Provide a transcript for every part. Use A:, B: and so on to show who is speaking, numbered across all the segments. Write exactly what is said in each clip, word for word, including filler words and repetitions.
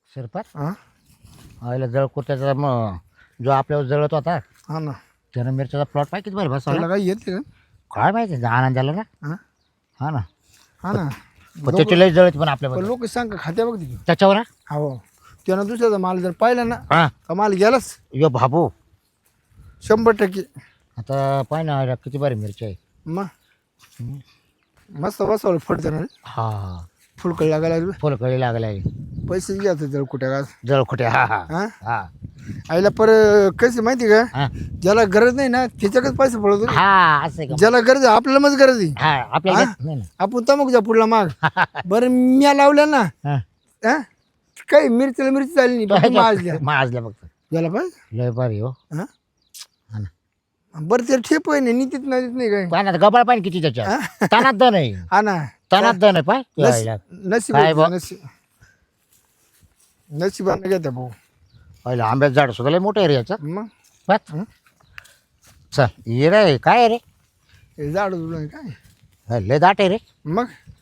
A: शिरपात
B: हां
A: आईला जळकुट्याचा मग जो आपल्यावर जळत होता
B: हां ना
A: त्यानं मिरच्याचा प्लॉट पाहिजे बरं बसवला
B: त्याला काही येते का
A: काय माहिती आनंद झाला ना
B: हां
A: हा ना
B: हां ना
A: पण त्याची लई जळत पण आपल्याबद्दल
B: लोक सांग खात्या बघ तिथे
A: त्याच्यावर ना?
B: हो त्यानं दुसऱ्याचा माल जर पाहिला ना
A: हा
B: का माल गेलाच
A: यो भाबू
B: शंभर टक्के
A: आता पाय ना आईला किती बरी मिरची आहे
B: मग मस्त बसवलं फट जाणार
A: हा
B: फुलकळी लागायला लागली
A: फुलकळी लागलाय
B: पैसे घ्यायचे जर कुठे का
A: जळखुटे हा हा
B: हां
A: हा
B: आईला पर कसे माहिती का
A: हा
B: ज्याला गरज नाही ना त्याच्याकडेच पैसे पडतो रे.
A: हा असं आहे का
B: ज्याला गरज आहे आपल्याला मग गरज आहे
A: हा आपल्याला
B: हा?
A: नाही ना.
B: आपण तमकच्या पुढला माग बरं म्या लावल्या ना
A: हा.
B: हा काही मिरचीला मिरची झाली नाही फक्त माज द्या
A: माजल्या फक्त
B: याला पाहिजे
A: लय भारी हो
B: हा
A: हा ना
B: बरं ते ठेप आहे नाही नीतीत नाही नाही काय
A: पाण्यात गबाळ पाहिजे किती त्याच्यात तणात दण आहे
B: हा ना
A: तणात दण आहे पाय त्या आईला.
B: नशीब
A: काय
B: आहे
A: बा?
B: ते, नशीब नशिबाने घेत्या भाऊ
A: पहिलं आंब्याचं झाड सुद्धा लय मोठं आहे रे याचं
B: मग
A: पाच
B: हं?
A: चल ये रे काय आहे रे
B: हे झाड जुळलं काय
A: हा, लय दाट आहे रे
B: मग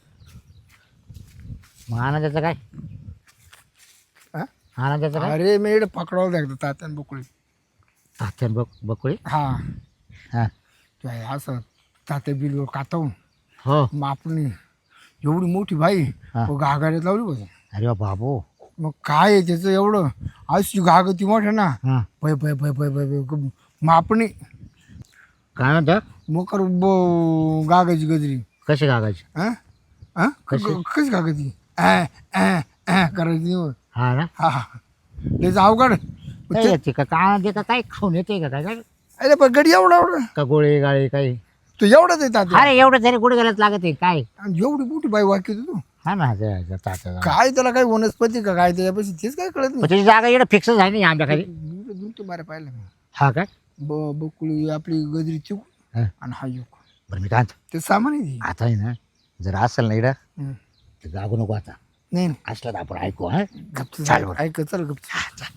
A: मग आनंदाचं काय
B: हा?
A: आनंदाचं काय
B: अरे मी इकडे पकडावं लागतं तात्यान बोकळी
A: तात्यान बक बकुळी
B: हा
A: हा
B: काय असं तात्या बिल कातवून
A: हो
B: मग आपण एवढी मोठी बाई
A: हा.
B: घागाड्यात लावली बघ
A: अरे वा बाबू
B: मग काय आहे त्याचं एवढं अशी घागती मोठं ना
A: हा
B: पै पै पै पै पै पै मग आपण
A: काय म्हणतो
B: मोकर गागाची गजरी
A: कशी कागायची
B: हा हा
A: कशी?
B: क- कशी गागायची ॲ ॲ ॲ करायची नाही होत.
A: हा ना
B: हा हा त्याचं अवघड
A: काय येते का काय येते का काय खाऊन येते का काय काय
B: अरे पण गडी एवढा एवढा
A: का गोळे गाळे काही
B: तू एवढाच आहे तात्या
A: अरे एवढं जरी गुड गेलाच लागत आहे काय
B: आणि एवढी मोठी बाई वाक्य तू
A: हा ना ते- ते तात्या
B: काय त्याला काय वनस्पती का काय त्याच्यापाशी तेच काय कळत
A: पण त्याची जागा एवढं फिक्स झाली नाही आंब्या खाली
B: नाही दूर तुम्हाला पाहिलं मी
A: हा काय
B: ब बकुळी आपली गजरी चिक
A: हा.
B: आणि हा युक
A: बरं मी काय म्हणतो,
B: ते सामान आहे ते.
A: आता आहे ना जर असेल ना इकडं
B: हं.
A: तर जागू नको आता
B: नाही नाही
A: असलं तर आपण ऐकू हा
B: गपचं
A: चाल
B: चाल
A: बरं.
B: ऐक चल गपचं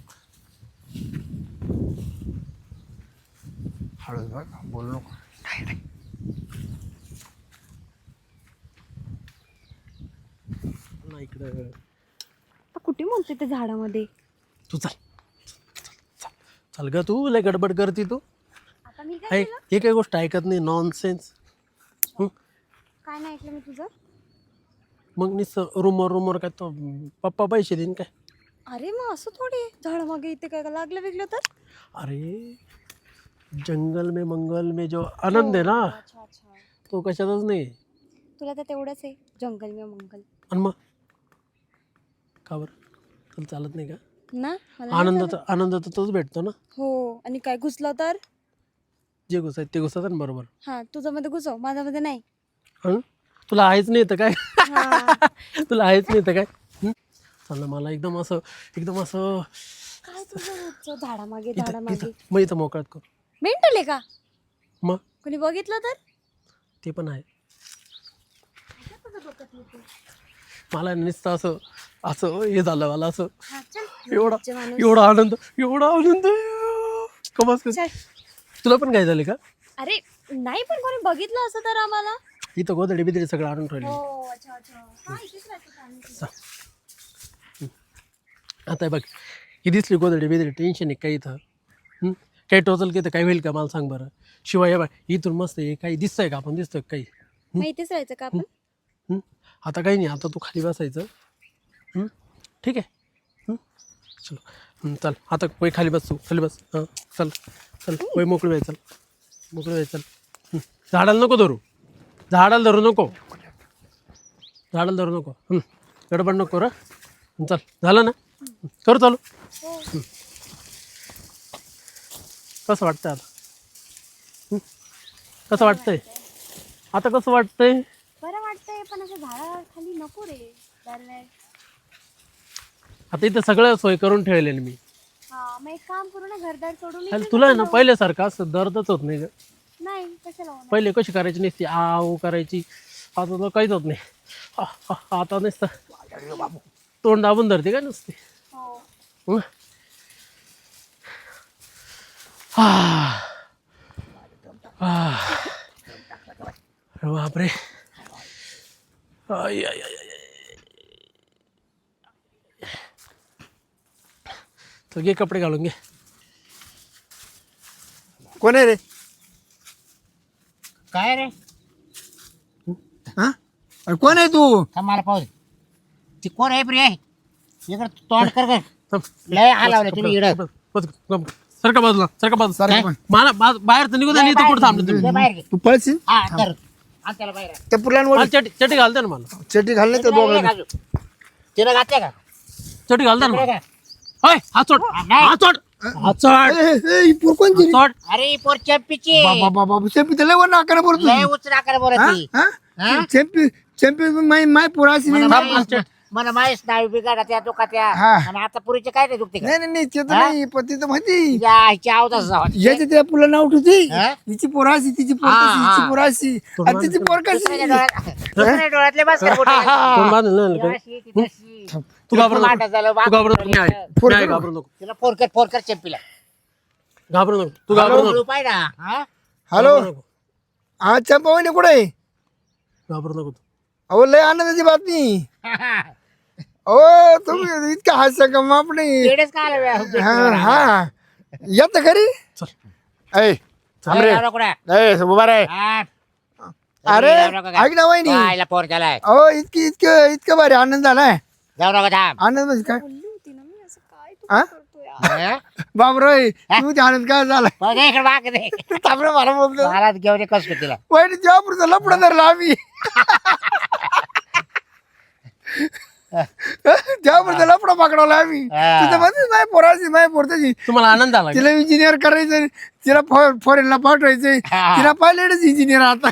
B: हळू बघ बोलू नको
A: काय नाही.
B: इकडं
C: कुठे म्हणते त्या झाडामध्ये
D: तू चाल चाल चाल ग तू लय गडबड करते तू
C: आता मी काय
D: ऐक हे काही गोष्ट ऐकत नाही नॉनसेन्स
C: काय नाही ऐकलं मी तुझं
D: मग नुसतं रूमवर रूमवर काय तो पप्पा पैसे देईन काय
C: अरे मग असं थोडी झाडामागे इथे काय लागलं वेगळं तर
D: अरे जंगल में मंगल में जो आनंद आहे ना
C: अच्छा अच्छा
D: तो कशातच नाही
C: तुला तर तेवढंच आहे जंगल में मंगल
D: आणि मग का बरं तुला चालत नाही का
C: ना मला नाही
D: आनंद
C: चालत.
D: तर आनंद तर तोच भेटतो ना
C: हो आणि काय घुसलं तर
D: जे घुसायत ते घुसतात ना बरोबर
C: हा तुझ्यामध्ये घुसव माझ्यामध्ये नाही
D: हं तुला आहेच नाही तर काय
C: हा.
D: तुला आहेच नाही तर काय हं? चाल ना मला एकदम असं एकदम असं
C: काय तुझं रोजचं झाडामागे
D: इथं
C: झाडामागे
D: इथं मग इथं मोकळ्यात कर
C: मेंटल आहे का
D: मग
C: कोणी बघितलं तर
D: ते पण आहे मला नुसतं असं असं हे झालं मला असं
C: हा, चल.
D: एवढा
C: रोजचे माणूस.
D: एवढा आनंद एवढा आनंद कमास कर
C: चल.
D: तुला पण काय झालं का
C: अरे नाही पण कोणी बघितलं असं तर आम्हाला
D: इथं गोदडी बिदडी सगळं आणून ठेवले
C: हो अच्छा अच्छा हा इथेच राहायचं का आम्ही?
D: आता हे बघ ही दिसली गोदडी बिदडी टेन्शन आहे काही इथं हं? काही टोचल की तर काय होईल का मला सांग बरं शिवाय हे बघ इथून मस्त आहे काही दिसतंय का आपण दिसतोय का काही
C: मग इथेच राहायचं का आपण
D: हं? आता काही नाही आता तू खाली बसायचं हं? ठीक आहे हं? चलो हं, चल आता वय खाली बस तू खाली बस हां चल चल वय मोकळी व्हाय चल मोकळी व्हाय चल हं. झाडाला नको धरू झाडाला धरू नको झाडाला धरू नको हं. गडबड नको रे हं, चल झालं ना हं, करू चालू हं. कसं वाटतंय आता हं? कसं वाटतंय आता कसं वाटतंय
C: बरं वाटतंय पण असं झाडा खाली नको रे दरवेळ
D: आता इथं सगळं सोय करून ठेवले मी
C: हा मग एक काम करू ना घरदार सोडून
D: आणि
C: इथे
D: तुला आहे ना
C: नको
D: पहिल्यासारखं असं दर्दच होत नाही ग
C: जाऊ. नाही कशाला होणार?
D: पहिले कशी करायची नसती आव करायची आता तर काहीच होत नाही आ, आ, आता नसतं तोंड दाबून धरते काय नसते
C: हो
D: हं? आ, आ. अरे बापरे आय, आय, आय, आय. चल घे कपडे घालून घे.
B: कोण आहे रे?
A: काय रे
B: हा अरे कोण आहे तू?
A: थांब मला पाहू दे. ती कोण आहे प्रिय इकडं तोंड कर गं.
D: थांब.
A: लय हालावलं तुम्ही इकडं.
D: बस, गप. सरका बाजूला सरका बाजूला
B: सारखं पण.
D: मला बा- बाहेर तर निघू द्या नाही तर कुठं थांबले तुम्ही.
A: ये बाहेर घे.
B: तू पळशील
A: हा कर आण त्याला बाहेर आण.
B: त्या पुलांवर
D: मला चटी चटी घालते ना मला.
B: चटी घाल नाही तर
A: तिला
B: बोगळा
A: घालू. तिला घातल्या का
D: चटी घालते ना
A: तिला
D: मला.
A: घाल.
D: ओय हात सोड
A: नाही.
D: हात सोड हात सोड
B: ही पूर कोणची रे?
D: सोड.
A: अरे ही पोर चॅम्पीची
B: बाबा बाबा चॅम्पी तर लय वर नाकाला बोलतो
A: लय उचना कर बरं ती हा?
B: चॅम्पी चॅम्पी माय माय पोर अशी नाही
A: मला
B: ना.
A: माहीत- मला माहीत नाही बिघाडा त्या दुखात्या
B: हा.
A: आणि आता पुरीचे काय नाही दुखते का
B: नाही नाही नाही ते तर
A: हा?
B: नाही पण ते तर माहिती
A: या आईची आवाज असा वाटते.
B: याच्या त्या पुला नाव ठेवते
A: हा?
B: हिची पोर अशी तिची पोर
A: हा,
B: कशी
A: हा.
B: हिची पोर अशी आणि तिची पोर
A: दुसऱ्याच्या
B: कशी
A: डोळ्यात- दुसऱ्या डोळ्यातले बस कर बोटं.
D: तोंड बांधलं ना
A: ही
D: नका.
A: अशी, ती तशी.
D: तू घाबरू
A: मांडा
D: नको
A: झालं,
D: तू घाबरू नको मी आहे.
B: फोन
D: मी आहे,
B: करू.
D: घाबरू नको
A: तिला फोन कर फोन कर चॅम्पीला
D: घाबरू नको तू घाबरू नको
A: पाय ना हा?
B: हॅलो
D: घाबरू नको.
B: हा चंपा वहिनी कुठे आहे?
D: घाबरू नको तू.
B: अहो लय आनंदाची बातमी. ओ तुम्ही इतका हास्य का माप नाही.
A: येडेच का आलं बे?
B: हा हा येत घरी
D: चल
B: ऐ थांब रे.
A: जाऊ नको ना.
B: ऐ उभा रे.
A: हा.
B: अरे
A: जाऊ नको का?
B: ऐक ना वहिनी
A: आईला फोन केलाय
B: अहो इतकी इतकं इतकं भारी आनंद झालाय.
A: जाऊ नका थांब
B: आनंद म्हणजे काय
C: बोलली होती ना मी असं काय तू
B: हा?
C: करतो यार.
A: हा?
B: बाबरोय तू ते आनंद काय झालाय?
A: बघ हे इकडे मागे दे.
B: थांब रे मला बोलतो
A: मला घेऊन ये कस तिला
B: वहिनी जेव्हा लपडा धरला आम्ही जेव्हा लपडा पकडवला आम्ही
A: हा.
B: तिथं मध्ये माय पोराची माय पोरताची
D: तुम्हाला आनंद झाला का?
B: तिला इंजिनियर करायचं तिला फॉरेनला पाठवायचंय
A: हा.
B: तिला पायलटच इंजिनियर आता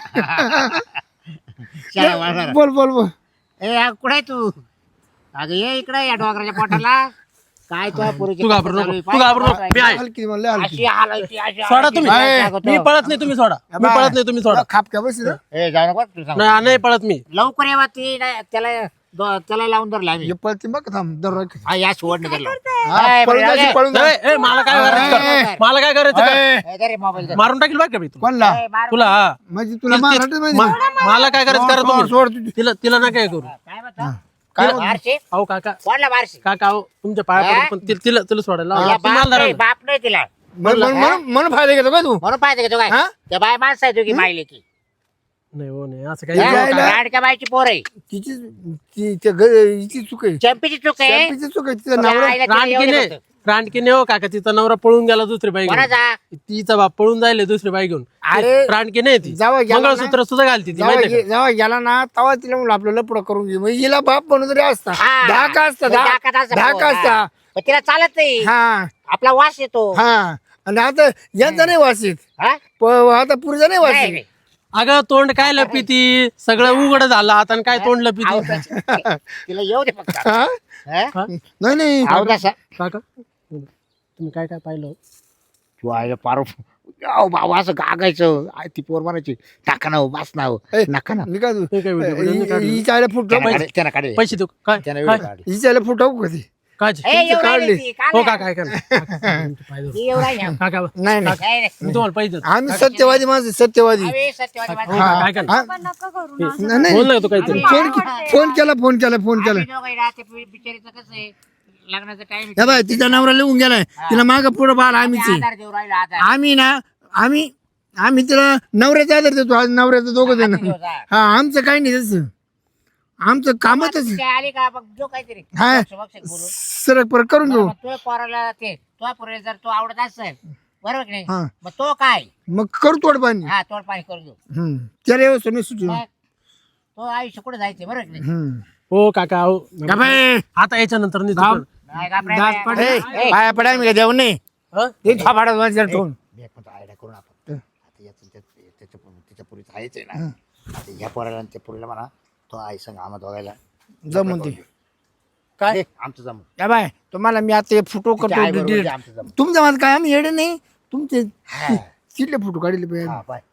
A: चला, वाजवा.
B: बोल बोल बोल
A: ए आ, कुठे आहे तू अगं ये इकडे या डोंगराच्या पोटाला काय तो पुरीची
D: तू घाबरू नको तू घाबरू नको मी आहे
B: हलकी म्हणलं हलकी
A: अशी हालायची अशी
D: सोडा
A: हालायची.
D: तुम्ही
A: काय सांगतो?
D: मी पळत नाही तुम्ही सोडा मी पळत नाही तुम्ही सोडा
B: खापक्या बस
A: ए जाऊ नको तुला सांगतो.
D: नाही नाही पळत मी
A: लवकर येवा ती नाही, त्याला दो- त्याला लावून धरला आम्ही
B: पळती बघ थांब दर
A: हा या सोडणं धरलं
B: हा,
A: ए,
B: पळून
A: बरं,
B: जायची,
A: ए,
B: पळून जायची.
D: ए, ए, मला काय करायचं
B: ए,
D: कर. मला काय करायचं कर.
B: ए,
A: ए, दे रे मोबाईल दे.
D: मारून टाकील बघ का मी तुला
B: कोणला
A: ए, मार.
D: तुला हा
B: म्हणजे तुला
D: तिला-
B: महाराष्ट्र
D: मा-
B: माहिती
D: मला काय करायचं करा
B: सोड,
D: तुम्ही
B: सोड तुझी.
D: तिला तिला ना काय करू
A: काय म्हणतो
B: काय
A: बारशे
D: अहो काका
A: कोणला बारशे
D: काका अहो तुमच्या पाया
A: हा?
D: पडून पण ति- तिला तिला सोडायला लावा.
A: तिला
D: तुम्हाला
A: बाप नाही
D: धरायला.
A: बाप नाही तिला
B: म्हण- म्हण- म्हण म्हण फायदा घेतो काय तू
A: म्हणून पाहिजे का तू काय
B: हा?
A: त्या बाय माणसं आहे तू की मायले की
D: नाही हो नाही असं
B: हे
D: काही
B: काय? जायला-
A: लाडक्या बायची पोर आहे
B: तिची ती त्या घ- हिची चूक आहे
A: चॅम्पीची चूक आहे
B: चॅम्पीची चूक आहे तिचा
A: तुला
B: नवरा
A: आईला तिला एवढं
D: रानकीने
A: फक्त.
D: रानकीने हो काका तिचा नवरा पळून गेला दुसरी बाई घेऊन
A: कोणाचा
D: तिचा बाप पळून जायले दुसरी बाई घेऊन
B: अरे,
D: रानकी नाही ती
B: जावं गेला ना.
D: मंगळसूत्र सुद्धा घालती ती
B: जेव्हा
D: माहितीये
B: गे- जेव्हा गेला ना तेव्हा तिला म्हणलं आपलं लपडं करून घे म्हणजे हिला बाप म्हणून तरी असता
A: हा.
B: धाका असता
A: धाकात
B: धा-
A: असता
B: धाका
A: भाऊ, हा.
B: असता
A: पण तिला चालत नाही
B: हा
A: आपला वास येतो
B: हा आणि आता यांचा नाही वासित
A: हा?
B: प- आता पुरीचा नाही
A: नाही,
B: वासित
A: नाही.
D: अगं तोंड काय लपिती सगळं उघड झालं आता आणि काय तोंड लपिती
A: अहो, तिला येऊ दे फक्त
B: हा?
A: हा?
D: हा?
B: नाही नाही
A: अहो, तसं.
D: काका तुम्ही काय काय पाहिलं
A: तू आहे पारो अहो बाबा असं गागायचं आय ती पोर म्हणायची टाका ना हो, बास ना हो.
B: ए,
A: नका ना
B: मी काय तू
D: हे काय व्हिडिओ काढले?
B: हि- हि- हिच्या आईला फुट
A: त्यानं काढे- त्यानं काढे.
D: पैसे देऊ काय
A: त्यानं
D: काय?
A: व्हिडिओ काढले.
B: हिच्या आईला फुट टाकू कधी
D: काय
A: ए,
B: तुमचं
A: एवढं
B: काढले.
A: नाही ती, काढले.
D: हो काका काय करणार
A: ती एवढं आहे ना.
D: काका
B: नाही नाही
A: नाही, नाही.
D: मी तुम्हाला पैसे देतो.
B: आम्ही सत्यवादी माणसं सत्यवादी
A: अरे, सत्यवादी
D: हो,
A: माणसं.
D: काका, काय करणार
B: हा?
C: बाबा नका करू ना असं.
B: नाही, नाही
D: बोल ना तू काहीतरी
B: फोन फोन केला फोन केला फोन केला
A: आम्ही दोघं ना, ते बिचारीचं कसं आहे लग्नाचा टाइम
B: या बाय तिचा नवरा लिहून गेलाय तिला माग पुढे बाळ आम्हीच आहे.
A: आधार देऊ राहिला आधार
B: आम्ही ना आम्ही आम्ही तिला नवऱ्याचा आदर देतो आज नवऱ्याचं दोघं जण हा आमचं काही नाही तसं आमचं कामच आहे.
A: ते आली का मग जो काहीतरी
B: हा.
A: बक्ष- बक्ष बोलू
B: सरक पर करून घेऊ
A: मग तो पोराला ते तो पोराला जर तो आवडत असेल बरोबर की नाही
B: हा.
A: मग तो काय
B: मग करू तोड पाणी
A: हा तोड पाणी करून देऊ
B: हम्म. त्याला व्यवस्था नाही सुचू
A: मग तो आयुष्य कुठे जायचे बरोबर की नाही
B: हम्म.
D: हो काका हो
B: का बाई?
D: आता याच्या नंतर नाही
B: गाव-
D: चुकणार.
A: नाही घाबरायचं
B: दात
A: नाही.
B: पडे
A: ए,
B: पाया पडा मी देऊ नाही
D: हं?
B: हे थापाडा माझ्या ठेवून
A: एक म्हणतो आयडिया करून आपण आता याचं त्या- त्याच्या तिच्या पुरीच आहेच आहे ना आता ह्या पोराला आणि त्या पुरीला म्हणा तो आई संग आम्हा दोघायला
B: जमून ते
D: काय
A: दे, आमचं जमून
B: या बाय तुम्हाला मी आता फोटो
A: तिच्या आई
B: करतो
A: बरोबर
B: delete.
A: जे आमचं जमून
B: तुमच्या माझं काय आम्ही येडे नाही तुमचे
A: हा.
B: तिथले फोटो काढले पाहिजे
A: हा, बाय.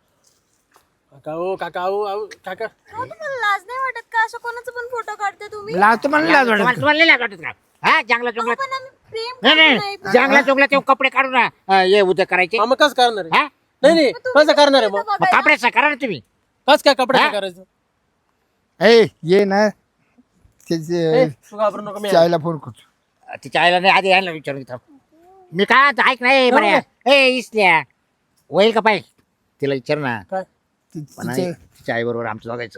D: काका हो काका हो अहो, काका
C: हो, तुम्हाला लाज नाही वाटत का असं कोणाचा पण फोटो काढते तुम्ही
B: लाजतो मला लाज
A: तुम्हाला
B: वाटत
A: तुम्हाला नाही लाज वाटत का हा जंगला
C: अहो,
A: चुंगला
C: पण आम्ही प्रेम
A: नाही
C: करतो
A: नाही
C: नाही
A: जंगला चुंगला ते कपडे काढून ना अं, हे उद्या करायचे
D: हा, मग कसं करणार आहे
A: हा
D: नाही नाही कसं करणार आहे मग
A: मग कपड्याचं करा ना तुम्ही
D: कस काय कपडे
A: हा?
D: करायचं
B: ए ये ना त्याचे
D: ए, तू घाबरू नको मी आहे.
B: चायला फोन करतो
A: तिच्या आईला नाही आधी यायला विचारून घे थांब. मी काय आता ऐक नाही बऱ्या ए इसल्या होईल का पाहिजे तिला विचार ना
D: काय
B: ति-
A: पण
B: तिच्या-
A: तिच्या आई बरोबर आमचं बघायचं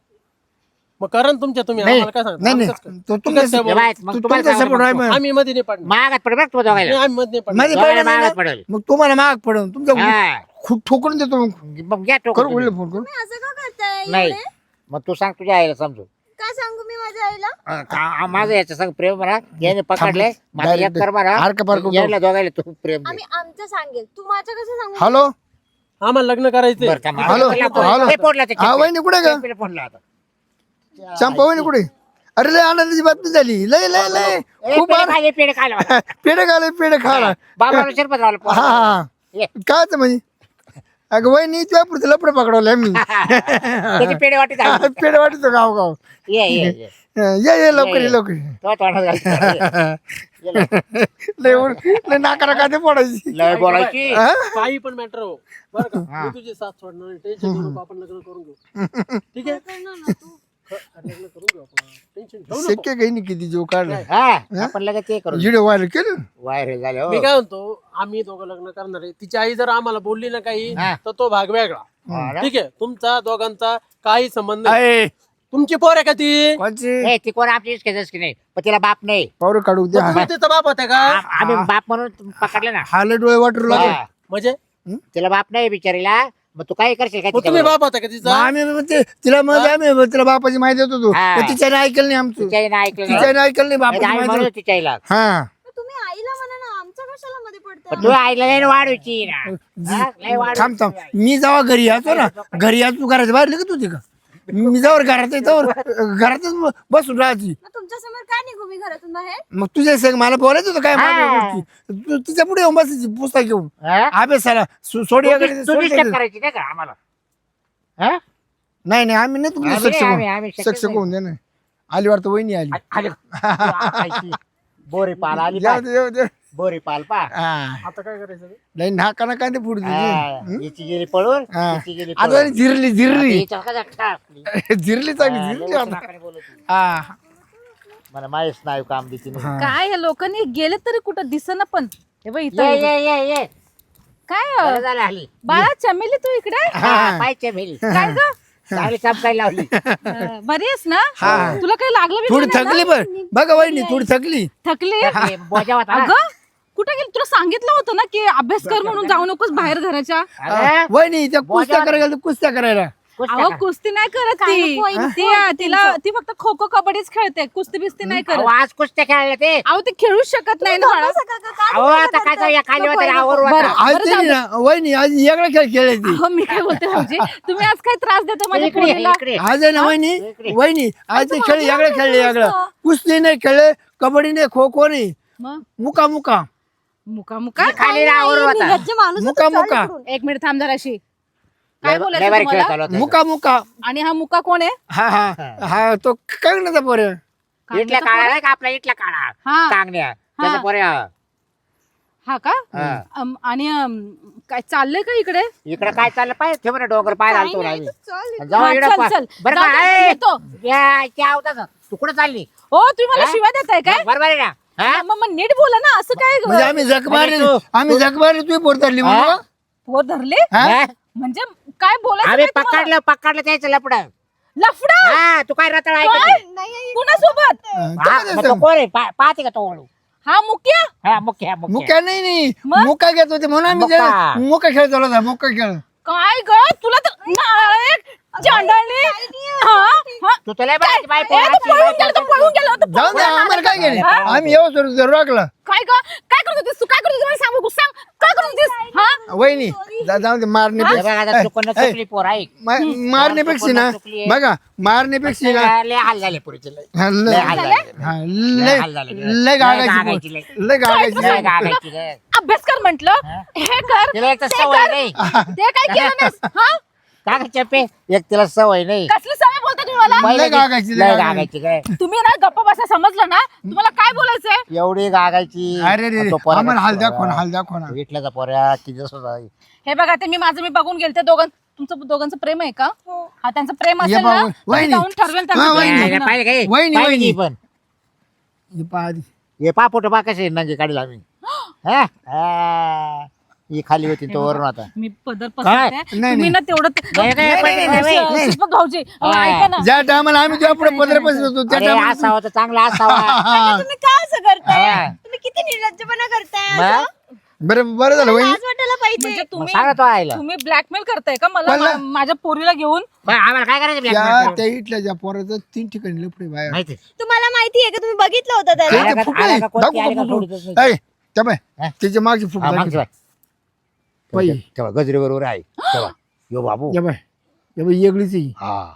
D: मग करा ना तुमच्या तुम्ही
A: नाही,
D: आम्हाला काय सांगता
B: नाही
D: आम्ही
B: नाही
D: कसं काय?
B: तो
D: तू
B: तुमच्या
D: कसं काय
A: हे बाय,
D: बोलू?
A: मग
B: तू-
A: तुम्हाला
B: तुमचा
A: सांगायला
B: सपोर्ट आहे
A: मग.
B: मग.
D: आम्ही मध्ये नाही पडणार
A: मागात पड बघ तू
D: नाही,
A: दोघायला
D: आम्ही मध्ये नाही पडणार
B: मध्ये
A: दोघायला
B: पडलं
A: मागात
B: ना,
A: पडेल
B: मग तुम्हाला माग पडून तुमच्या
A: हा.
B: खूप ठोकून देतो मग
A: मग घ्या
B: करू
A: टोकून
B: बोलले
A: तुम्ही.
B: फोन करू
C: तुम्ही असं का करताय
A: नाही
C: एवढे?
A: मग तू सांग तुझ्या आईला समजू
C: काय सांगू मी माझ्या आईला
A: अं, का- माझं याच्या संग प्रेम म्हणा याने पकडले माझं एक
B: Direct
A: कर म्हणा
B: हारका पारका उठव.
A: यायला दोघायला तू प्रेम दे.
C: आम्ही आमचं सांगेल तू माझं कसं सांगू
B: हॅलो
D: आम्हाला लग्न करायचंय
A: बरं, थांब.
B: Hello, hello.
A: हे फोडला ते
B: हा
A: चिमटे.
B: वहिनी कुठे का
A: चिमटे फोडला आता.
B: चंपा वहिनी कुठे अरे लय आनंदाची बातमी झाली लय लय लय
A: ए,
B: खूप
A: पेढे
B: आन-
A: खायले, पेढे खायला मला.
B: पेढे खाले पेढे खाला
A: बाबाला शिरपत लावलं
B: हा
A: पोराला.
B: हा
A: ये.
B: कायच म्हणजे अगं वहिनी तुझ्या पुढचं लपडे पकडवले आम्ही
A: त्याची पेढे वाटी झाली.
B: पेढे वाटतो गाव गाव
A: ये ये ये
B: ये ये लवकर ये लवकर ये.
A: तो तोंडात घाल. ये लवकर.
B: लय उड- लय नाकाला कांदे पडायची
A: लय बोलायची
B: हा?
D: काही पण मॅटर हो बरं का मी तुझी साथ सोडणार नाही टेन्शन घेऊ नको आपण लग्न करून घेऊ ठीक आहे
C: करणार ना तू
D: ख- लग्न करून घेऊ आपण टेन्शन घेऊ नको
B: शक्य काही नाही किती जीव काढला
A: हा आपण लगेच ते करू
B: व्हिडिओ व्हायरल केलं
A: व्हायरल झाले हो.
D: मी काय म्हणतो आम्ही दोघं लग्न करणार आहे तिची आई जर आम्हाला बोलली ना काही
A: हा.
D: तर तो भाग वेगळा
A: हा ना?
D: ठीक आहे तुमचा दोघांचा काही संबंध नाही
B: आहे
D: तुमची पोर आहे का ती
B: कोणची
A: ए, ती कोण आपली इश्केच की नाही पण तिला बाप नाही
B: पावरं काढू द्या
D: तुम्ही तिचा बाप होता का
A: आ- आम्ही बाप म्हणून पकडले ना
B: हाले डोळे वाटू लागले
A: हा.
D: म्हणजे
A: तिला बाप नाही बिचारीला मग तू काय करशील काय
D: मग तुम्ही
A: तिच्याबरोबर?
D: बाप होता का
B: मग
D: तिचा
B: आम्ही मग ते- तिला मध्ये आम्ही तिला बापाची माहिती देत होतो
A: हा.
B: पण तिच्याने ऐकलं नाही आमचं
A: तिच्या आईनं ऐकलं नाही.
B: तिच्याने ऐकलं नाही
A: नाही तर
B: बापाची
A: आम्ही
B: माहिती
A: म्हणू तिच्या आईला
B: हा
C: मग तुम्ही आईला म्हणा ना आमचं कशाला मध्ये पडतं
A: पण तू आईला नाही वाढवायची ना हा? लय वाढवायची.
B: थांब थांब मी जेव्हा घरी यायचो ना घरी यायचो तू घराच्या बाहेर लगेच होती का मी जवळ घरात जवळ घरातच बसून राहायची
C: मग तुमच्या समोर काय निघू मी घरातून बाहेर
B: मग तुझ्या संग मला बोलायचं होतं काय माझ्या
A: हा.
B: गोष्टी तू तिच्या पुढे येऊन बसायची पुस्तक घेऊन
A: हा?
B: अभ्यासाला सो- सोडी
A: तू
B: वगैरे
A: dis- तू
B: सोडी
A: disturb
B: वगैरे.
A: करायची नाही का आम्हाला हा?
B: नाही नाही आम्ही नाही तुमचं
A: आम्ही नाही,
B: सक्षम
A: आम्ही- आम्ही शक्यच
B: सक्षम
A: नाही.
B: होऊन दे ना आली वाटतं वहिनी आली
A: आ- आले. तू आईची बोरी पाल आली
B: जाऊ
A: पाय.
B: दे, जाऊ दे.
A: बोरी पाल पा
B: हा.
D: आता काय करायचं
B: नाही नाका ना कांदे पुढे
A: हिची गेली पळून
B: हा.
A: हिची गेली
B: आता
A: पळून.
B: झिरली झिरली
A: हिच्या कशा टाकली?
B: झिरली चांगली
A: हा,
B: झिरली
A: लय
B: आता
A: नाकाने बोलत होती.
B: हा.
A: मला माहीत नाही काम देते नाही.
B: हा.
E: काय या लोकांनी गेले तरी कुठं दिसना पण हे बघ इथं
A: ये ये ये ये
E: काय
A: बरं
E: अं,
A: झालं हल्ली
E: बाळा चमेली तू इकडे
A: हा पाहिजे मेली
E: काय ग
A: चांगली चमकायला लावली
E: अं, बरी आहेस ना
B: हा.
E: तुला काही लागलं बी
B: थोडी
E: नाही ना?
B: थकली पण बघा वहिनी थोडी थकली
E: थकली
A: ते बोजा होता ना.
E: अगं कुठे गेली तुला सांगितलं होतं ना की अभ्यास कर म्हणून जाऊ नकोस बाहेर घराच्या
A: अरे,
B: वहिनी त्या कुस्त्या
A: बोजा-
B: करायला गेल्या, कुस्त्या करायला
A: कुस्त्या
E: अहो
A: का?
E: कुस्ती नाही करत
C: काय
E: ती
C: नको आहे,
E: ती तिला ती फक्त खो खो कबड्डीच खेळते कुस्ती बिस्ती नाही
A: अहो,
E: करत
A: आज कुस्त्या खेळायला ते
E: अहो ते खेळूच शकत नाही ना बाळा.
A: अहो आता काय जाऊ, या खाली होत्या रे, आवर
E: बरं.
A: होता.
B: आज तरी ना वहिनी आज वेगळा खेळ खेळायची
E: अहो मी काय बोलते भाऊजी तुम्ही आज काय त्रास देता माझ्या
A: इकडे ये,
E: पोरीला
B: आज
A: इकडे
B: आहे ना वहिनी
A: इकडे.
B: वहिनी आज ते खेळ वेगळे खेळले वेगळं कुस्ती नाही खेळले कबड्डी नाही खो खो नाही
E: मग
B: मुका मुका
E: मुका मुका
A: खाली आवर होता
C: घरचे माणूस
B: मुका मुका
E: एक मिनिट थांब जराशी काय
A: लय-
E: बोलायचं
A: लय भारी खेळ
E: तुम्हाला?
A: चालू होता.
B: मुका मुका
E: आणि हा मुका कोण आहे
B: हा हा हा तो कागण्याचा पोरे
A: इटल्या काळा नाही का आपला इटल्या काळा
E: हा.
A: कांगण्या त्याच्या पोरे हा.
E: हा का
A: हा.
E: अम, आणि अम, काय चाललंय का इकडे
A: इकडे काय चाललं पाहिजे ठेव ना डोंगर पाय घालतो ना आम्ही
C: चल
A: जाऊ
E: हा,
A: इकडं
E: चल,
A: पा-
E: चल.
A: बरं
E: जाऊ
A: का
E: दे,
A: ए,
E: येतो.
A: या, इथे आवता ना. तू कुठं चालली
E: हो तुम्ही मला
A: हा?
E: शिवाय देताय काय
A: बरोबर आहे ना हा?
E: मग मग नीट बोला ना असं काय ग?
B: म्हणजे आम्ही जख मारली
A: म्हणजे तू-
B: आम्ही जख मारली तुम्ही पोर धरली
A: हा?
B: म्हणून
E: पोर धरले
B: हा?
A: हा?
E: म्हणजे काय बोलायचं
A: आम्ही
E: काय तुम्हाला?
A: पकडलं पकडलं त्याचं लपड
E: लफडा
A: हा तू काय रताळ
E: काय?
A: ऐकते
E: कुणासोबत
B: हा,
A: हा,
B: तो
A: मग
B: कसं?
A: तो कोण आहे पा- पाहते का तो वळू
E: हा मुक्या
A: हा मुख्य मुख्य
B: मुका नाही नाही
E: मग?
B: मुका घेत होते म्हणून आम्ही
A: मुका.
B: ते- मुका खेळ चालू होता मुका खेळ
E: काय ग तुला तर नायक चांडाळली हा हा
A: तू तुला बायची बाय
E: ए, तो पळून गेला तो पळून गेला तो
B: जाऊ
E: पळून
B: दे
E: गेला.
B: आम्हाला काय गेले
E: हा?
B: आम्ही येऊ सर राखला
E: काय ग काय करत होतीस तू काय करत होतीस मला सांगू सांग काय करत होतीस हा
B: वहिनी जा- जाऊ दे मारण्यापेक्षा
A: चुकून
B: ए,
A: चुकली पोर ऐक
B: मा- मारण्यापेक्षा ना
A: चुकली आहे.
B: बघा मारण्यापेक्षा ना
A: लय हाल झाले पुरीचे लय
B: हा,
A: लय
B: लय
A: हाल झाले
B: हा,
A: लय
B: लय
A: हाल झाले.
B: लय
A: लय
B: गागायची
A: गागायची
B: पोर.
A: लय.
B: लय गागायची
A: लय
B: पोर.
A: गागायची लय.
E: अभ्यास कर म्हंटल हे कर
A: तिला एक तर
E: ते
A: सवय
E: कर.
A: नाही
E: ते काय केलं नाहीस हा
A: का ग चप्पे एक तिला सवय नाही
E: कसली सवय बोलता तुम्ही मला
A: पहिले
B: गागायची, लय
A: लय
B: गागायची.
A: गागायची काय
E: तुम्ही ना गप्पा बसा समजलं ना तुम्हाला काय बोलायचंय
A: एवढी गागायची
B: अरे रे रे,
A: तो पोरा
B: आम्हाला हाल
A: पोरा.
B: दाखव ना हाल दाखव ना
A: विटल्याचा पोऱ्या किती जसं आहे.
E: हे बघा ते मी माझं मी बघून गेलते दोघां तुमचं दोघांचं प्रेम आहे का हा त्यांचं प्रेम
B: ये
E: असेल
B: बा,
E: ना
B: वहिनी.
E: तर मी जाऊन ठरवेल
B: हा,
E: त्यांचं
B: वहिनी.
E: प्रेम
A: काय
E: लग्न.
A: पाहिजे काय
B: वहिनी,
A: पाहिजे
B: वहिनी.
A: की पण
B: हे पहा आधी.
A: हे पा फोटो पा कसे नंगे काढील आम्ही हा? हा. ही खाली होती तो वरून आता
E: मी पदर
A: काय?
E: पसरते
B: नाही,
E: तुम्ही ना तेवढं
A: नाही, नाही, नाही, नाही, नाही,
B: नाही.
E: शिल्पक भाऊजी अहो, ऐका ना
B: ज्या टायमाला आम्ही तुझ्या पुढे पत्र बसत होतो त्या
A: अरे
B: टायमाला
A: असावा तर चांगला असावा
C: तुम्ही का असं करताय
A: हा.
C: तुम्ही किती निर्लज्जपणा करताय
A: मग?
C: असं?
B: बरं बरं झालं वहिनी
C: लाज वाटायला पाहिजे
E: म्हणजे
A: मग
E: तुम्ही
A: सांगा तो आयला
E: तुम्ही ब्लॅकमेल करताय का मला
B: मला-
E: मा- माझ्या पोरीला घेऊन
A: बरं, आम्हाला काय करायचं
B: त्या
A: blackmail?
B: त्या इथल्या ज्या पोराचं तीन ठिकाणी लफडे बाहेर
A: माहिती
C: तुम्हाला माहिती आहे का तुम्ही बघितलं होतं
B: ते-
C: त्याला
A: आला
B: ते
A: का-
B: फुटू
A: आला
B: आहे.
A: का कोणती
B: दाखवू
A: आली
B: का
A: का
B: फुटू?
A: सोडतच नाही.
B: ऐ, त्या बाय
A: हा?
B: त्याच्या मागची फुटू
A: हा,
B: दाखव.
A: मागची बाय.
B: बाई.
A: तेव्हा गजरे बरोबर आहे तेव्हा यो बाबू
B: या बाय या बाई वेगळीच आहे.
A: हा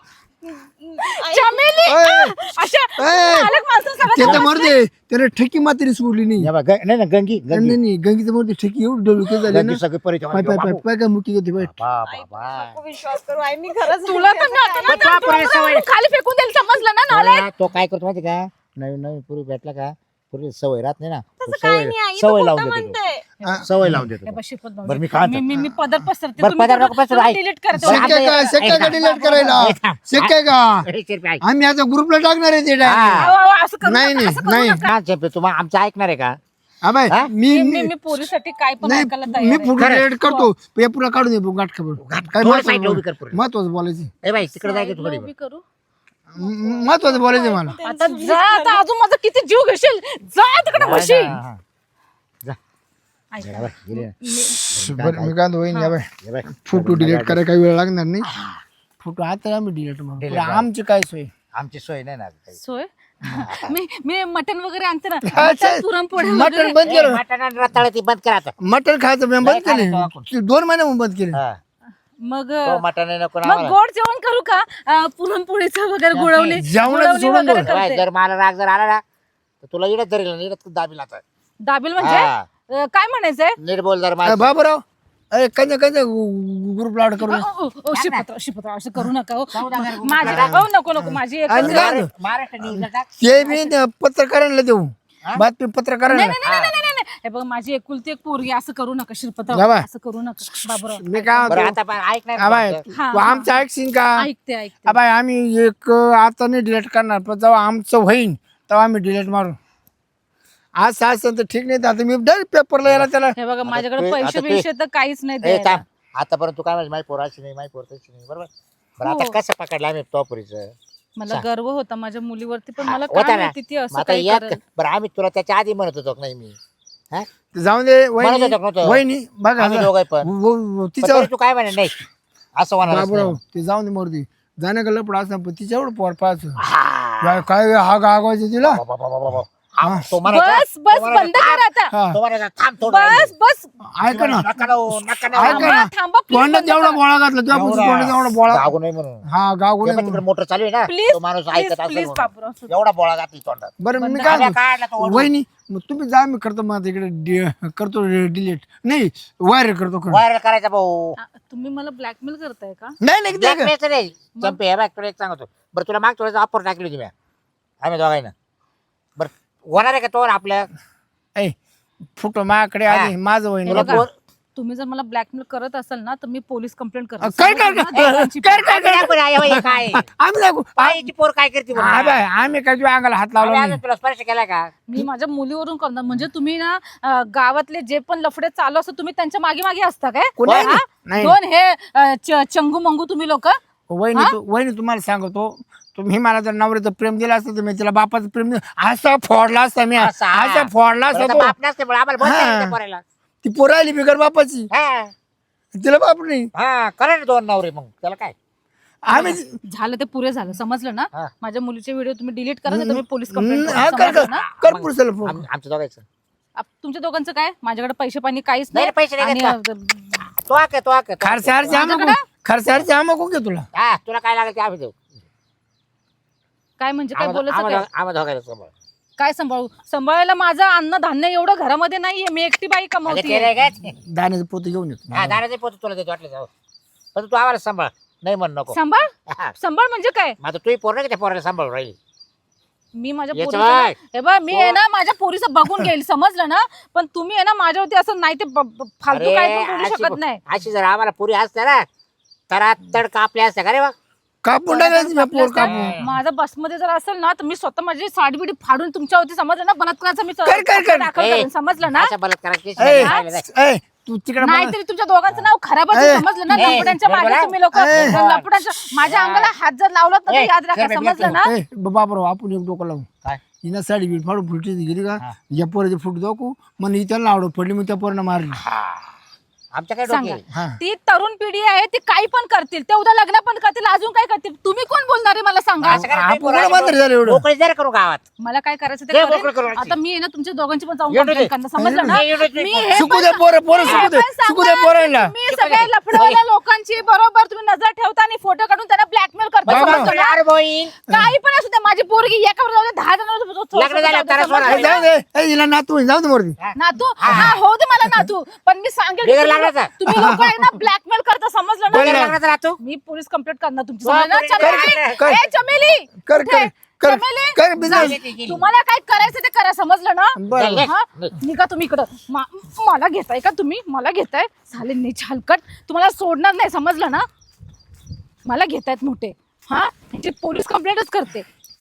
E: चमेली
B: ऐ,
E: अशा
B: ऐ,
E: मालक माणसं सगळं
B: त्याच्या मरते त्याने ठेकी मात्र सोडली नाही
A: या बा, ग- नाही ना गंगी
B: नाही
A: गंगी
B: नाही गंगीचं मरते ठेकी एवढी डोलके झाले ना
A: गंगी सगळे परिचय
B: पाय पाय पाय पाय काय मुकी होती बाई
A: बाबा बाबा
C: विश्वास करू आई मी खरंच
E: तुला तर ना आता ना
A: पण तुला पोरीला सवय
E: तुला खाली फेकून देईल समजलं ना नालायक?
A: तो काय करतो माहिती का नवीन नवीन पूर्वी भेटला का पूर्वी सवय राहत नाही ना तो
C: तसं काही
A: सवय
C: नाही आई
A: सवय
C: तू
A: लावून
C: खोटं
A: देतो तो.
C: म्हणते
A: सवय लावून
E: हे
A: देतो
E: बघ, शिल्पक भाऊजी.
A: बरं, मी काय
E: मी मी मी पदर पसरते
A: बरं, पदर नको पसरू, ऐक.
E: डिलीट करते
A: बरं,
B: शक्य का शक्य का डिलीट करायला शक्य का आम्ही आता ग्रुपला टाकणार आहे ते direct.
A: हा.
E: अहो, अहो, असं करू
B: नाही
E: नका,
B: नाही
E: असं करू
B: नाही
E: नका.
A: हा, चेपे, तुम्हा आमचं ऐकणार आहे का
B: हा बाय
A: हा?
B: मी
E: मी
B: मी
E: मी पोरीसाठी काय पण
B: नाही
E: ऐकायला
B: मी
E: तयार आहे.
B: फोटो
A: खरं.
B: डिलीट करतो हे पुरा काढून दे गाठ खबर काय
A: थोडं side ला उभी कर
B: महत्वाचं
A: पुढे.
B: महत्वाचं बोलायचं
A: ए बाई तिकडे जाय की
E: साईडला
A: थोडी
E: उभी करू
B: म- महत्वाचं बोलायचं मला
E: आता जा आता अजून माझा किती जीव घेशील जा तिकडे म्हशी
A: हा, जा.
E: ऐका.
A: जा बाई, गेली ना.
B: बरं मी काय वहिनी या बाय
A: ये बाई.
B: फोटो डिलीट करायला काही वेळ लागणार नाही फोटो आता आम्ही डिलीट
A: Delete
B: मारू
A: करा.
B: आमची काय सोय
A: आमची सोय नाही ना काही.
E: सोय मी मी मटन वगैरे आणते ना
B: अच्छा.
E: मटण पुरणपोळी
B: मटण
E: वगैरे.
B: बंद
A: ए,
B: केलं
A: मटण आणि रताळं ती बंद करा आता.
B: मटण खायचं मी बंद
A: नाही खायचं
B: केलं
A: आपण.
B: ते दोन महिने बंद केले
A: हा.
E: मग
A: तो मटण आहे नको ना
E: मग
A: आम्हाला.
E: गोड जेवण करू का अं, पुरणपोळीचं वगैरे गुळवणी
B: जेवणाचं
E: गुळवणी
B: सोडून
E: वगैरे
B: दे.
A: बाई,
E: करते.
A: जर मला राग जर आला ना तर तुला इडत धरेल ना इडत दाबील आता
E: दाबील म्हणजे
A: हा.
E: अं, काय म्हणायचंय
A: नीट बोल जर
B: अरे
A: मला
B: बाबूराव अरे कंजा कंजा ग्रुप लाड करू
E: अ, अ, अ, शिपत्र शिपत्र असं करू नका हो.
A: चौदा हजार रुपये
E: माझ्या हो नको नको माझी एक-
B: आणि काय?
A: महाराष्ट्र न्यूजला टाक.
B: ते मी त्या पत्रकारांना देऊ बातमी पत्रकारांना
E: नाही नाही नाही नाही, नाही नाही हे बघ माझी एकुलती एक पोरगी असं करू नका शिरपत्र
B: जा बाय.
E: असं करू नका बाबूराव
B: मी काय
A: बरं
B: म्हणतो
A: आता पण ऐक नाही
B: हा बाय
A: बोलतो.
E: हा,
B: तू आमचं ऐकशील का
E: ऐकते ऐकते
B: हा बाय आम्ही एक आता नाही डिलीट करणार पण जेव्हा आमचं होईन तेव्हा आम्ही डिलीट मारू आज असं तर ठीक नाही तर आता मी डायरेक्ट पेपरला यायला त्याला
E: हे बघा माझ्याकडे
A: तू-
E: पैसे
A: आता तू-
E: बिशे तर काहीच नाही
A: ए,
E: द्यायला.
A: थांब. आतापर्यंत तू काय म्हणजे माही पोराची नाही माही पोरताची नाही बरोबर बरं आता
E: हो.
A: कसं पकडलं आम्ही टॉपरीचं
E: मला गर्व होता माझ्या मुलीवरती पण
A: हा,
E: मला
A: होता
E: काय
A: ना.
E: माहिती ती
A: मग
E: असं
A: आता
E: काही
A: यात
E: करेल.
A: बरं आम्ही तुला त्याच्या आधी म्हणत होतो का नाही मी हा?
B: जाऊन दे
A: म्हणत
B: वहिनी
A: होतो का नव्हतं?
B: वहिनी बघा
A: आम्ही दोघं पण
B: व- व-
A: पण
B: तिच्यावर
A: तरी तू काय म्हणे नाही असं होणार
B: बाबूराव ते जाऊन दे मोरती जाण्या का लपड असं पण तिच्यावर पोर पाहायचं या काय हा गागवायचं तिला
A: तो म्हणायचा
E: बस बस बंद कर आता
B: हा
A: तो म्हणायचा थांब थोडं
E: बस बस
B: ऐका ना
A: नका लावू, नका लावू.
B: ऐका ना
E: थांबा, थांबा, please
B: तोंडात
E: बंद
B: एवढा
E: करा.
B: बोळा घातला तुझ्या पुढच्या तोंडात एवढा बोळा
A: जागू नाही म्हणून
B: हा गागू
A: ते
B: नाही
A: पण तिकडे मोटर चालू आहे ना
E: प्लीज
A: तो माणूस
E: प्लीज
A: ऐकत
E: प्लीज
A: असेल
E: बाबूराव
A: म्हणून. एवढा बोळा घातली तोंडात
B: बरं मी
E: बंद
B: काय
A: आल्या
B: म्हणतो,
A: काढला तो ओढून.
B: वहिनी मग तुम्ही जा मी करतो मग इकडे डि- करतो डिलीट नाही वायर करतो करतो.
A: व्हायरल करायचा भाऊ
E: आ, तुम्ही मला ब्लॅकमेल करताय का
B: नाही नाही ते काय.
A: ब्लॅकमेलचं नाही चंपे हे बघ तुला एक सांगतो बरं तुला माग तुला ऑफर टाकली होती मी आम्ही दोघांना बरं होणार आहे का तो आपल्या
B: ऐ, फुटो माझ्याकडे आधी माझं वहिनी
A: तुला
E: बघा,
A: पोर-
E: तुम्ही जर मला ब्लॅकमेल करत असाल ना तर मी पोलीस कंप्लेंट
B: काय काय काय
E: करते
B: काय काय काय
A: दाखव ना, हे बघ, हे काय
B: आम्ही दाखवू
A: बाईची पोर काय करते म्हणून?
B: हा बाय आम्ही काय तुझ्या अंगाला हात लावला
A: आम्ही
B: नाही
A: अजून तुला स्पर्श केला का
E: मी माझ्या मुलीवरून करणार म्हणजे तुम्ही ना अं, गावातले जे पण लफडे चालू असतात तुम्ही त्यांच्या मागे मागे असता काय
B: कोणी-
E: हा?
B: नाही.
E: दोन हे अं, च- चंगू मंगू तुम्ही लोक
B: वहिनी तू वहिनी तुम्हाला सांगतो तुम्ही मला जर नवऱ्याचं प्रेम दिलं असतं तर मी तिला बापाचं प्रेम दिलं असं फोडला असता मी
A: असा.
B: असं फोडला
A: बरं,
B: असता
A: आता
B: तो.
A: बाप नसते पण आम्हाला बोलता येईल
B: हा.
A: त्या पोराला.
B: ती पोरं आली बिगर बापाची
A: हा
B: तिला बाप नाही
A: हा करा ना दोन नवरे मग त्याला काय
B: आम्ही
E: झालं ते पुरे झालं समजलं ना
A: हा.
E: माझ्या मुलीचे व्हिडिओ तुम्ही डिलीट करा नाही तर मी पोलीस कंप्लेंट
B: हा, कर कर
E: ना
B: कर पुरुषाला फोन.
A: आम- आमचं दोघायचं
E: आप- तुमच्या दोघांचं काय माझ्याकडे पैसे पाणी काहीच
A: नाही
E: नाही
A: रे, पैसे नाही
E: आणि,
A: घेतला.
E: अं,
A: तो आक तो आक
B: खर्चारचे आम्हा खर्चारचे आम्हा कोण घे तुला
A: हा तुला काय लागेल ते आम्ही देऊ
E: काय म्हणजे काय
A: आम्हा
E: बोलायचं काय
A: आम्हा- आम्हा दोघायला समोर
E: काय सांभाळू सांभाळायला माझं अन्न धान्य एवढं घरामध्ये नाहीये मी एकटी बाई
A: अगं,
E: कमवते
A: ते नाही काय
B: दाण्याचं पोते घेऊन येतो
A: हा दाण्याचे पोत तुला देतो वाटलं जाऊ पण तू आम्हाला सांभाळ नाही म्हण नको
E: सांभाळ
A: हा.
E: सांभाळ म्हणजे काय
A: मग आता तू पोर नाही का त्या पोराला सांभाळ राहील
E: मी माझ्या
A: याचं
E: पोरीचं ना-
A: बाय.
E: हे बघ मी आहे ना माझ्या पोरीचं बघून घेईल समजलं ना पण तुम्ही आहे ना माझ्यावरती असं नाही ते ब- ब- फालतू
A: अरे,
E: काय पण बोलू
A: अशी
E: शकत नाही
A: अशी जर आम्हाला पुरी असते ना तर तड कापल्या असत्या का रे बा
B: कापून टाकायचं मी पोर कापून.
E: माझा बसमध्ये जर असेल ना तर मी स्वतः माझी साडी बिडी फाडून तुमच्यावरती समजलं ना बलात्काराचा मी
B: कर, कर, कर.
E: दाखल
A: ए,
E: करेन, समजलं ना.
A: अशा बलात्काराची केस
B: ए,
A: नाही झालेलं आहे.
B: ए, तू तिकडे
E: नाहीतरी तुमच्या दोघांचं नाव खराबच आहे,
B: ए,
E: समजलं ना.
A: ए,
E: लपड्यांच्या मागे
A: बरोबर.
E: तुम्ही लोक
B: ए,
E: लपड्यांच्या माझ्या अंगाला हात जर लावलात ना तर
A: ए,
E: याद राखा,
A: कर,
E: समजलं ना.
B: ए, बाबराव आपण एक डोकं लावू
A: काय
B: हिनं साडी बीट फाडून फुटी गेली का
A: हा.
B: या पोराची फुट दाखवू मग ही त्याला आवडत पडली मग त्या पोरानं मारली.
A: हा आमच्या काय
E: सांगा.
A: डोके
B: हा.
E: ती तरुण पिढी आहे, ती काही पण करतील, ते उद्या लग्न पण करतील, अजून काय करतील. तुम्ही कोण बोलणार आहे मला सांगा.
A: असं करा,
B: आपण
A: तुम्ही
B: कोणा
A: पोरं-
B: मात्र झालं एवढं?
A: मोकळी जरा करू गावात.
E: मला काय करायचं ते
A: दे
E: करेन.
A: मोकळं करू.
E: आता मी आहे ना तुमच्या दोघांची पण जाऊन
A: एवढं
E: complaint
A: दे.
E: करणार, समजलं ना.
A: एवढं दे.
E: मी हे
B: शिकू
E: पण
B: दे पोरं पोरं
E: मी
B: शिकू
E: हे
B: दे
E: पण
B: शिकू दे
E: सांगणार
B: पोरांना.
E: की तुम्ही सगळे लफडेवाल्या लोकांची बरोबर तुम्ही नजर ठेवता आणि फोटो काढून त्यांना ब्लॅकमेल करता,
B: बाबा.
E: समजलं ना?
A: अरे भाई
E: काही पण असू दे, माझी पोरगी एकावर जाऊ दे, दहा जण
A: लग्न झाल्यावर त्याला सोडा.
B: ए, जाऊ दे ए, हिला नातू जाऊ दे मोरती.
E: नातू हा हो दे मला नातू, पण मी सांगेल की
A: बिगर
E: तुम्ही
A: लागण्याचा.
E: लोक- तुम्ही लोक आहे ना ब्लॅकमेल करता, समजलं
B: बोल
E: ना.
B: ना.
A: लग्नात राहतो.
E: मी पोलीस कंप्लेंट करणार तुमची,
A: वा,
E: समजलं ना.
A: पोलीस
E: चमेली,
B: कर,
E: ए, चमेली
B: कर
E: कुठे?
B: कर कर
E: चमेली?
B: कर बिझनेस.
E: जा. तुम्हाला काय करायचं ते करा, समजलं ना.
B: बरं.
E: हा? निघा तुम्ही इकडं. मा- मला घेताय का तुम्ही? मला घेताय झाले नीच हलकट, तुम्हाला सोडणार नाही, समजलं ना. मला घेतायत मोठे, हा पोलीस कंप्लेंटच करते.